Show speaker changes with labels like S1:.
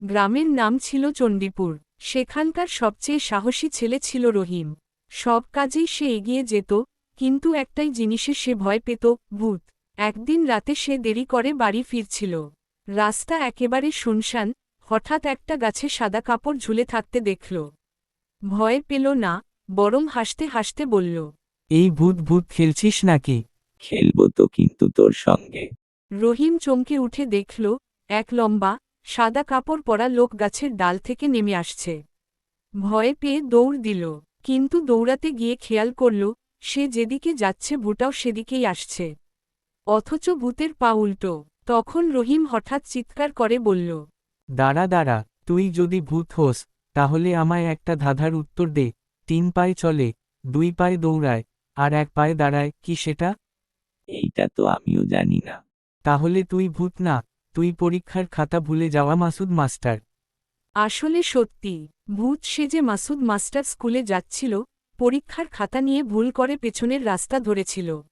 S1: গ্রামের নাম ছিল চণ্ডীপুর। সেখানকার সবচেয়ে সাহসী ছেলে ছিল রহিম। সব কাজেই সে এগিয়ে যেত, কিন্তু একটাই জিনিসে সে ভয় পেত, ভূত। একদিন রাতে সে দেরি করে বাড়ি ফিরছিল। রাস্তা একেবারে শুনশান। হঠাৎ একটা গাছে সাদা কাপড় ঝুলে থাকতে দেখল। ভয় পেল না, বরং হাসতে হাসতে বলল,
S2: এই ভূত ভূত খেলছিস নাকি?
S3: খেলবো তো, কিন্তু তোর সঙ্গে।
S1: রহিম চমকে উঠে দেখল, এক লম্বা, সাদা কাপড় পরা লোক গাছের ডাল থেকে নেমে আসছে। ভয়ে পেয়ে দৌড় দিল, কিন্তু দৌড়াতে গিয়ে খেয়াল করল, সে যেদিকে যাচ্ছে ভূতাও সেদিকেই আসছে। অথচ ভূতের পা উল্টো। তখন রহিম হঠাৎ চিৎকার করে বলল,
S2: দাঁড়া দাঁড়া, তুই যদি ভূত হোস, তাহলে আমায় একটা ধাঁধার উত্তর দে। 3 পায়ে চলে, 2 পায়ে দৌড়ায়, আর 1 পায়ে দাঁড়ায়, কি সেটা?
S3: এইটা তো আমিও জানি না।
S2: তাহলে তুই ভূত না, তুই পরীক্ষার খাতা ভুলে যাওয়া মাসুদ মাস্টার।
S1: আসলে সত্যি, ভূত সেজে মাসুদ মাস্টার স্কুলে যাচ্ছিল, পরীক্ষার খাতা নিয়ে ভুল করে পেছনের রাস্তা ধরেছিল।